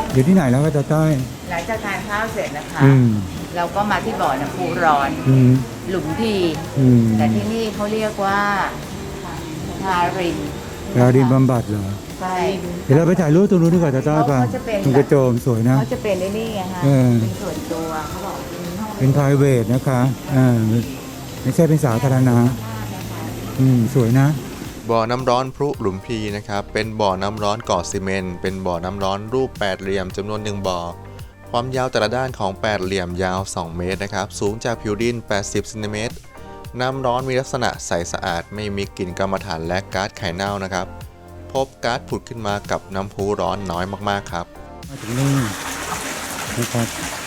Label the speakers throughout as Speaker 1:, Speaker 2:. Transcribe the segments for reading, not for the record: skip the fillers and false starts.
Speaker 1: อยู่ที่ไหนแล้วก็จะใต้
Speaker 2: หลังจากทานข้าวเสร็จนะคะ
Speaker 1: อืม
Speaker 2: เราก็มาที่บ่อน้ำพุร้อน
Speaker 1: อืม
Speaker 2: หลุมพี
Speaker 1: อืม
Speaker 2: แต่ที่นี่เขาเรียกว่าทาริน
Speaker 1: ยาดินบำบัดเหรอ
Speaker 2: ใช่
Speaker 1: เดี๋ยวเราไปถ่ายรูปตรงนู้นดีกว่าจะใต้ป่ะ
Speaker 2: เขาจะเป็น
Speaker 1: ตรงกระโจมสวยนะ
Speaker 2: เขาจะเป็นไอ้นี่ไงฮะ
Speaker 1: เออ
Speaker 2: เป็นส่วนตัวเขาบอกเป็นห้อง
Speaker 1: เป็น private นะคะไม่ใช่เป็นสาธารณะสวยนะ
Speaker 3: บ่อน้ำร้อนพรุหลุมพีนะครับเป็นบ่อน้ำร้อนก่อซีเมนต์เป็นบ่อน้ำร้อนรูปแปดเหลี่ยมจำนวน1บ่อความยาวแต่ละด้านของแปดเหลี่ยมยาว 2 เมตรนะครับสูงจากผิวดิน 80 เซนติเมตรน้ำร้อนมีลักษณะใสสะอาดไม่มีกลิ่นกรรมฐานและก๊าซไข่เน่านะครับพบก๊าซผุดขึ้นมากับน้ำพุร้อนน้อยมากๆครับ
Speaker 1: มาถึงนี่นะครับ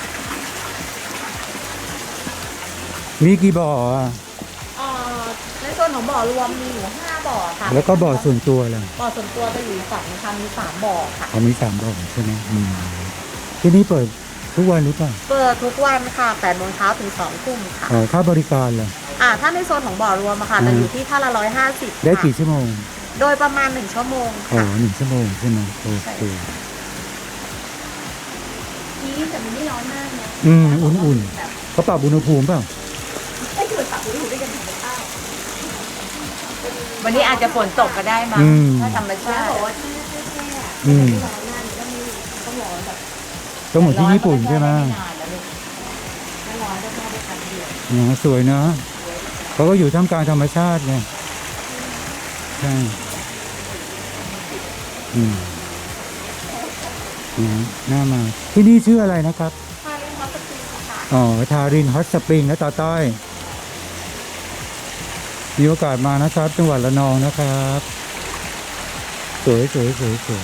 Speaker 1: มีกี่บ่ออ่ะ
Speaker 4: ในส่วนของบ่อรวมมีอยู่5บ่อค่ะ
Speaker 1: แล้วก็บ่อส่วนตัวล่ะ
Speaker 4: บ่อส่วนตัวจะอยู่ฝั่งนะคะมี3บ่อค่ะ
Speaker 1: เขามี3บ่อใช่ไหมที่นี่เปิดทุกวันหรือเปล่า
Speaker 4: เปิดทุกวันค่ะ8โมงเช้าถึง2ทุ่มค่ะ
Speaker 1: ค่าบริการล่ะ
Speaker 4: ถ้าในโซนของบ่อรวมอะค่ะจะอยู่ที่ท่าละ150
Speaker 1: ได้
Speaker 4: ค่ะ
Speaker 1: กี่ชั่วโมง
Speaker 4: โดยประมาณ1ชั่วโมง
Speaker 1: อ๋อ
Speaker 4: ค่ะ
Speaker 1: 1 ชั่วโมงใช่ไหมโอเค
Speaker 4: นี่แต่มันไม่ร้อนมากนะ
Speaker 1: อุ่นๆเขาปรับอุณหภูมิเปล่า
Speaker 4: ไม่ถือปรับอุณหภูมิได้กันถึงได้
Speaker 2: วันนี้อาจจะฝนตกก็ได้มั้ง
Speaker 1: อืม
Speaker 2: ถ้าธรรมชา
Speaker 4: แล้ว
Speaker 2: ติ
Speaker 4: บอกว่าที่แค่
Speaker 1: อืม
Speaker 4: ร้อนมากก็มีต้องร้อนแบบ
Speaker 1: ต้องเหมือนที่ญี่ปุ่นใช่ไหม
Speaker 2: ร้อนก็จะด้ไม่นานแล้วลูก
Speaker 4: ไม่ร้อนจะเข้าไปกันเดียว
Speaker 1: สวยนะเขาก็อยู่ท่ามกลางธรรมชาติไงใช่น่ามาที่นี่ชื่ออะไรนะครับ
Speaker 4: ทาเล่นฮอตสปริงค่ะ
Speaker 1: อ๋อทารินฮอตสปริงนะตาต้อยมีโอกาสมานะครับจังหวัดระนองนะครับ สวยสวยสวยสวย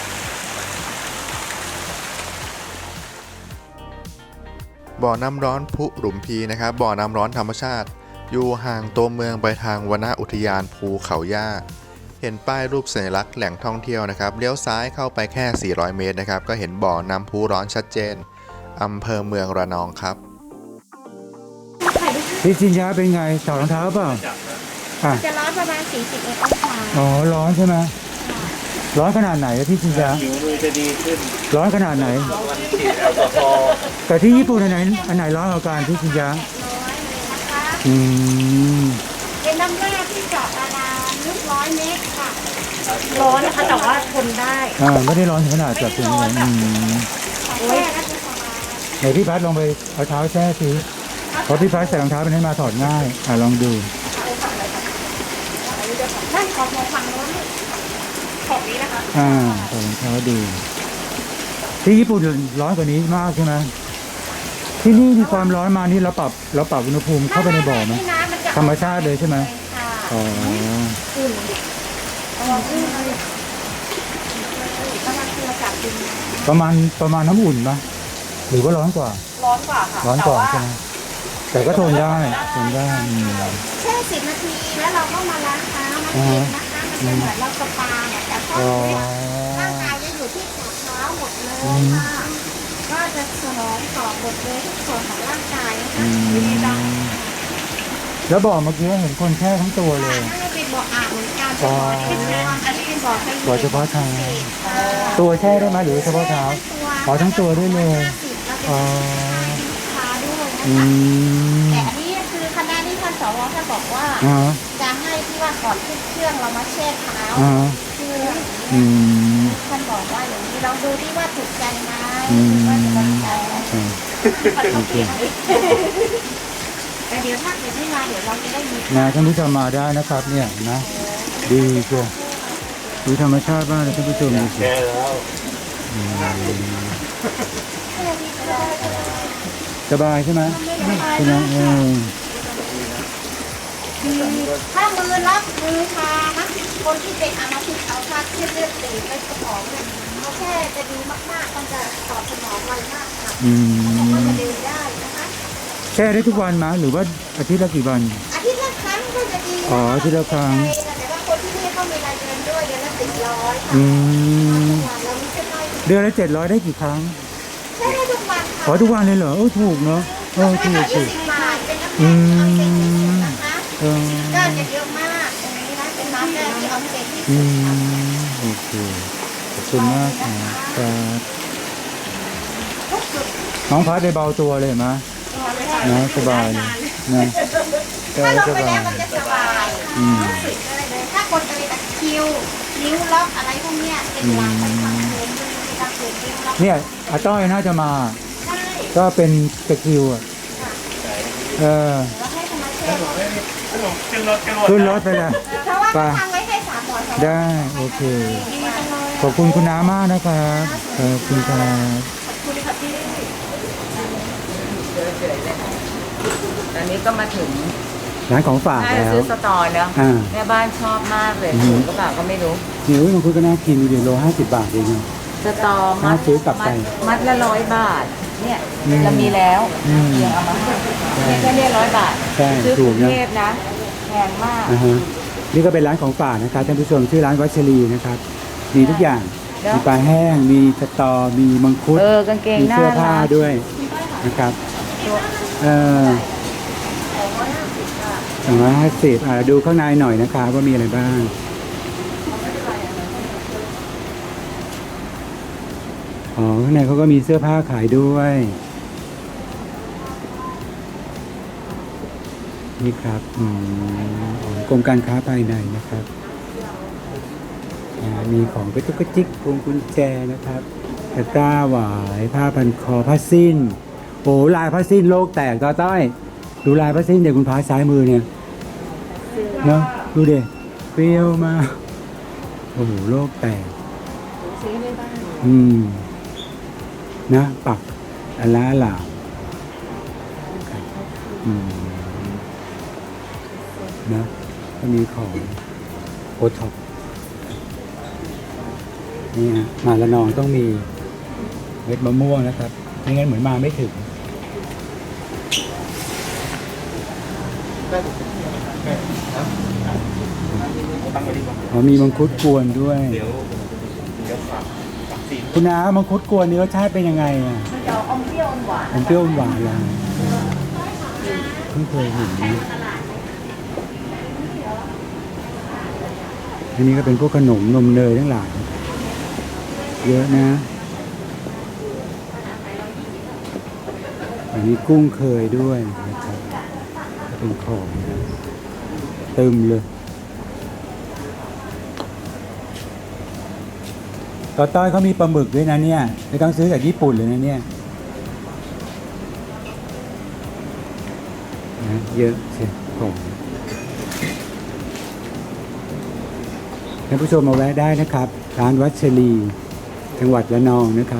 Speaker 3: บ่อน้ำร้อนพุหลุมพีนะครับบ่อน้ำร้อนธรรมชาติ อยู่ห่างตัวเมืองไปทางวนอุทยานภูเขาย่าเห็นป้ายรูปสัญลักษณ์แหล่งท่องเที่ยวนะครับเลี้ยวซ้ายเข้าไปแค่ 400 เมตรนะครับก็เห็นบ่อน้ำพุร้อนชัดเจนอำเภอเมืองระนองครับ
Speaker 1: พี่จินยาเป็นไงถอดรองเท้าเปล่าอ่ะ
Speaker 4: จะร้อนประมาณ41องศา
Speaker 1: อ๋อร้อนใช่ไหมร้อนขนาดไหนอะพี่จินยา
Speaker 5: ผิวมือจะดีขึ้น
Speaker 1: ร้อนขนาดไหน
Speaker 5: วันฉีดแอลกอฮอล์
Speaker 1: แต่ที่ญี่ปุ่นอันไหนร้อนกว่ากันพี่จินยา
Speaker 4: ร้อยเลยนะคะ
Speaker 1: อืม
Speaker 4: เป็นน้ำแร่ที่เจาะบาดาลลึก100 เมตรค่ะ ร้อนนะคะแต่ว่าทนได้
Speaker 1: ไม่ได้ร้อนถึงขนาดจับถึงไหน
Speaker 4: แช่ก็จะสบาย
Speaker 1: ไหนพี่พัดลองไปเอาเท้าแช่สิเพราะพี่พัดใส่รองเท้าเป็นให้มาถอดง่ายลองดู
Speaker 4: นั่นขอบมองฟังโน้นขอบนี้นะคะ
Speaker 1: ใส่รองเท้าดูที่ญี่ปุ่นร้อนกว่านี้มากใช่ไหมที่นี่มีความร้อนมานี่เราปรับอุณหภูมิเข้าไปในบ่อไหม
Speaker 4: นี่นะมันจะ
Speaker 1: ธรรมชาติเลยใช่ไหม
Speaker 4: ค่ะ
Speaker 1: อ๋อ
Speaker 4: อุ่นอุ่นเลยกำลังตัวจับดิน
Speaker 1: ประมาณน้ำอุ่นปะหรือว่าร้อนกว่า
Speaker 4: ร้อนกว่าค่ะ
Speaker 1: ร้อนกว่าใช่ไหมแต่ก็ทนได้
Speaker 4: แช่10 นาทีแล้วเราก็มาล้างเท้ามันเย็นนะคะมันจะเหมือนเราสปาเนี่ยแต่พอร่างกายจะอยู่ที่หัวเท้าหมดเลยค่ะก็จะสนองต่อหมดเลยทุกส่วนของร่างกายนะคะดีจัง
Speaker 1: แล้วบ่อเมื่อกี้เห็นคนแช่ทั้งตัวเลย
Speaker 4: น่าจะเป็นบ่ออาบเหมือนกันเป็นบ่อที่ใช้อันนี้เป็นบ่อไฟ
Speaker 1: บ่อเฉพาะเท้าตัวแช่ได้ไหมหรือเฉพาะเท้าอ๋อทั้งตัวด้วยเลยอ๋อ
Speaker 4: ค้าด้วย
Speaker 1: อื
Speaker 4: นะคะ
Speaker 1: ม
Speaker 4: แต่อันนี้คือคณะที่ท่านสวท่านบอกว่า
Speaker 1: อ๋อ
Speaker 4: จะให้ที่ว่าก่อนขึ้นเครื่องเรามาแช่เท้า
Speaker 1: อ๋อ
Speaker 4: คือ
Speaker 1: อืม
Speaker 4: ท่านบอกว่าอย่างนี้ลองดูที่ว่าถูกใจไหม
Speaker 1: อืม
Speaker 4: ว่าจะถูกใจไหม
Speaker 1: โอเค
Speaker 4: แต่เดี๋ยวถ้าเกิดไม่มาเดี๋ยวเราจะได้มี
Speaker 1: ท่านผู้ชมมาได้นะครับ เนี่ยนะดีเชียวดูธรรมชาติบ้างนะท่านผู้ชมดูสิ
Speaker 5: แก้แล้ว
Speaker 1: สบายใช่ไหมใช่ไหม
Speaker 4: ถ้ามือรับมือชานะคนที่เป็นอามาพิษเอาชาที่เลือดตีไปสมองเนี่ยเขาแค่จะดีมากๆมันจะตอบสนองไวมากค่ะ
Speaker 1: อื
Speaker 4: มันจะ
Speaker 1: ม
Speaker 4: เดินได้นะคะ
Speaker 1: แช่ได้ทุกวันไหมหรือว่าอาทิตย์ละกี่วัน
Speaker 4: อาทิตย์ละครั้งก็จะดี
Speaker 1: อ๋ออาทิตย์ละครั้ง
Speaker 4: แต่ว่าคนที่นี่เขามีรายเดือนด้วยเดือนละ700ค่ะ
Speaker 1: อืม
Speaker 4: เราไม่ใช่น้อย
Speaker 1: เดือนละ700ได้กี่ครั้ง
Speaker 4: ใช่ได้ทุกวันค่ะ
Speaker 1: ขอทุกวันเลยเหรอถูกเนาะถูกถูก
Speaker 4: 10 บาทเป็นน้ำ
Speaker 1: อื
Speaker 4: แข็งที่
Speaker 1: ม
Speaker 4: สุดนะคะ
Speaker 1: เออ
Speaker 4: ก็จะเยอะมากตรงนี้นะเป็นน้ำแร่ที่ออกเซนที่
Speaker 1: อื
Speaker 4: สุดค่ะ
Speaker 1: มโอเคขอบคุณมากครับน้องพัดไปเบาตัวเลยเห็นไหมนะสบายเลยนะ
Speaker 4: ถ้าลง
Speaker 1: ส
Speaker 4: ไป
Speaker 1: บา
Speaker 4: แล้
Speaker 1: ยว
Speaker 4: มันจะสบาย
Speaker 1: อืม
Speaker 4: รู้สึกอะไรเลยถ้ากดอะไรตะคริวนิ้วล็อกอะไรพวกเนี้ยเป็นหลังเป็นความเคืนด้วยเป็นการเคืนนิ้วล็อก
Speaker 1: เนี่ยอาต้อยน่าจะมา
Speaker 4: ใช่
Speaker 1: ก็เป็นตะคริวอ่ะเออ
Speaker 4: แล้วให้ธรรมชาติ
Speaker 1: ขึ้นรถไปเลย
Speaker 4: เพราะว่าเขาทำไว้ให้3 หมอน2
Speaker 1: ได้โอเค
Speaker 4: ดีจังเลย
Speaker 1: ขอบคุณคุณน้ามากนะครับขอบคุณครับ
Speaker 2: ตอนนี้ก็มาถึง
Speaker 1: ร้านของฝาก
Speaker 2: น่าจะ
Speaker 1: แล้ว
Speaker 2: ซื้อสตอแล้ว
Speaker 1: อ่า
Speaker 2: แม่บ้านชอบมากเลย
Speaker 1: อืม
Speaker 2: ถูกก็เปล่าก็ไม่รู้
Speaker 1: เดี๋ยวมังคุดก็น่ากินดูดิโล50 บาทเองนะ
Speaker 2: สตอมั
Speaker 1: น่า
Speaker 2: ด
Speaker 1: ซื้อกลับไป
Speaker 2: มัดละ100 บาท เนี่ย
Speaker 1: อืม
Speaker 2: เรามีแล้ว
Speaker 1: อืม
Speaker 2: เพียงเอามาให้แค่เนี่ย100 บาท
Speaker 1: ใช่
Speaker 2: ซื้อก
Speaker 1: ถู
Speaker 2: รุ
Speaker 1: ก
Speaker 2: ง
Speaker 1: นะ
Speaker 2: เทพนะแพงมาก
Speaker 1: อ่าฮะนี่ก็เป็นร้านของฝากนะครับท่านผู้ชมชื่อร้านวัชรีนะครับ มีทุกอย่าง
Speaker 2: แล้ว
Speaker 1: มีปลาแห้ง มีสตอ มีมังคุด
Speaker 2: กางเกง
Speaker 1: มี
Speaker 2: น่า
Speaker 1: เสื้อผ้า
Speaker 2: รัก
Speaker 1: ด้วยนะครับ250ดูข้างในหน่อยนะครับว่ามีอะไรบ้าง อ๋อ ข้างในเขาก็มีเสื้อผ้าขายด้วย นี่ครับของกรมการค้าภายในนะครับ มีของกระจุกกระจิกพวงกุญแจนะครับตะกร้าหวายผ้าพันคอผ้าสิ้นโอ้ลายผ้าสิ้นโลกแตกต่อต้อยดูลายผ้าสิ้นเดี๋ยวคุณพาซ้ายมือเนี่ยเนาะดูเด็เปรี้ยวมากโอ้โหโลกแตกนะปักอลาหลาครับนะก็มีของโอท็อปนี่ฮะมาละนองต้องมีเม็ดมะม่วงนะครับไม่งั้นเหมือนมาไม่ถึงมีมังคุดกวนด้วยคุณน้ามังคุดกวนนี่รสชาติเป็นยังไงอ่ะ
Speaker 2: มันจะอมเปรี้ยวอมหวาน
Speaker 1: มันเปรี้ยวหวานเลยเพิ่งเคยเห็นนะอันนี้ก็เป็นพวกขนมนมเนยทั้งหลายเยอะนะอันนี้กุ้งเคยด้วยนะครับเป็นของเติมเลยต่อต้อยเขามีปลาหมึกด้วยนะเนี่ยไม่ต้องซื้อจากญี่ปุ่นเลยนะเนี่ยนะเยอะเชียวของท่านผู้ชมมาแวะได้นะครับร้านวัชรีจังหวัดระนองนะครับ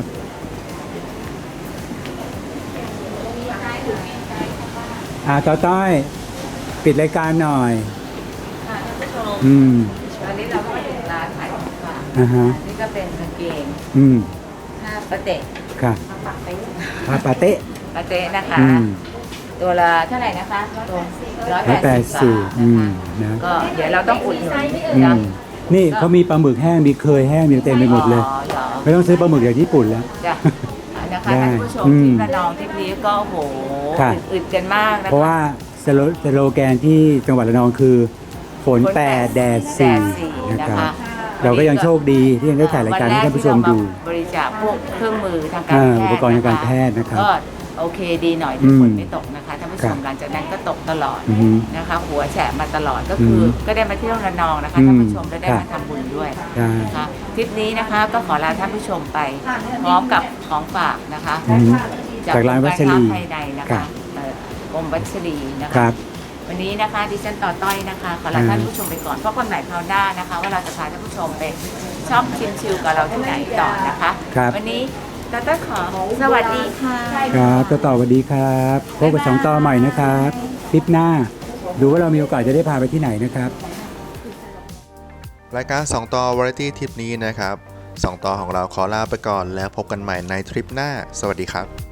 Speaker 1: ต่อต้อยปิดรายการหน่อย
Speaker 2: ค่ะท่านผู้ชม ตอนนี้เราก็มาถึงร้านขายของฝาก
Speaker 1: ฮะ
Speaker 2: นี่ก็เป็นกางเกง ผ้าปะเตะ
Speaker 1: ค่ะปาปาเตะ
Speaker 2: ปะเตะนะคะ ตัวละเท่าไหร่นะคะตัว180 บาทนะคะ ก็เดี๋ยวเราต้องอุดหนุนนะ
Speaker 1: นี่เขามีปลาหมึกแห้งมีเคยแห้งมีเต็มไปหมดเลย ไม่ต้องซื้อปลาหมึกจากญี่ปุ่นแล้ว
Speaker 2: จ้ะนะคะ
Speaker 1: ได้
Speaker 2: ท่านผู้ชมที่ระนองที่นี้ก็โอ้โห
Speaker 1: ค่ะ
Speaker 2: อึดกันมากนะคะ
Speaker 1: เพราะว่าสโลแกนที่จังหวัดระนองคือฝนแปดแดดสี่นะครับ เราก็ยังโชคดีที่ยังได้ถ่ายรายการให้ท่านผู้ชมดู
Speaker 2: บริจาคพวกเครื่องมือทางการแพทย์
Speaker 1: อุปกรณ์ทางการแพทย์นะครับ
Speaker 2: ก็โอเคดีหน่อยที่ฝนไม่ตกนะคะท่านผู้ช
Speaker 1: ครั
Speaker 2: ม
Speaker 1: บ
Speaker 2: หลังจากนั้นก็ตกตลอด
Speaker 1: อือฮึ
Speaker 2: นะคะ หัวแฉะมาตลอดก็คืออก็ได้มาเที่ยวระนองนะคะท่านผู้ชมและได้
Speaker 1: ครั
Speaker 2: มา
Speaker 1: บ
Speaker 2: ทำบุญด้วย
Speaker 1: ใช่
Speaker 2: นะคะทริปนี้นะคะก็ขอลาท่านผู้ชมไปพร้อมกับของฝากนะคะ
Speaker 1: จากร้านวัชรี
Speaker 2: กมกาค้าภายในนะ
Speaker 1: ครั
Speaker 2: คะ
Speaker 1: บ
Speaker 2: กรมวัชรีนะ
Speaker 1: ค
Speaker 2: คะ
Speaker 1: รับ
Speaker 2: วันนี้นะคะดิฉันต่อต้อยนะคะขอลาท่านผู้ชมไปก่อนเพราะคนใหม่คราวหน้านะคะ ว่าเราจะพาท่านผู้ชมไปชอบชิมชิลกับเราที่ไหนต่อนะคะ
Speaker 1: ครับ
Speaker 2: วันนี้ต่อต้อยขอสวัสดีค่ะ
Speaker 1: ครับต่อสวัสดีครับพบกับ2ต่อใหม่นะครับคลิปหน้าดูว่าเรามีโอกาสจะได้พาไปที่ไหนนะครับ
Speaker 3: รายการ 2 ต่อ Variety ทริปนี้นะครับ 2 ต่อของเราขอลาไปก่อนแล้วพบกันใหม่ในทริปหน้า สวัสดีครับ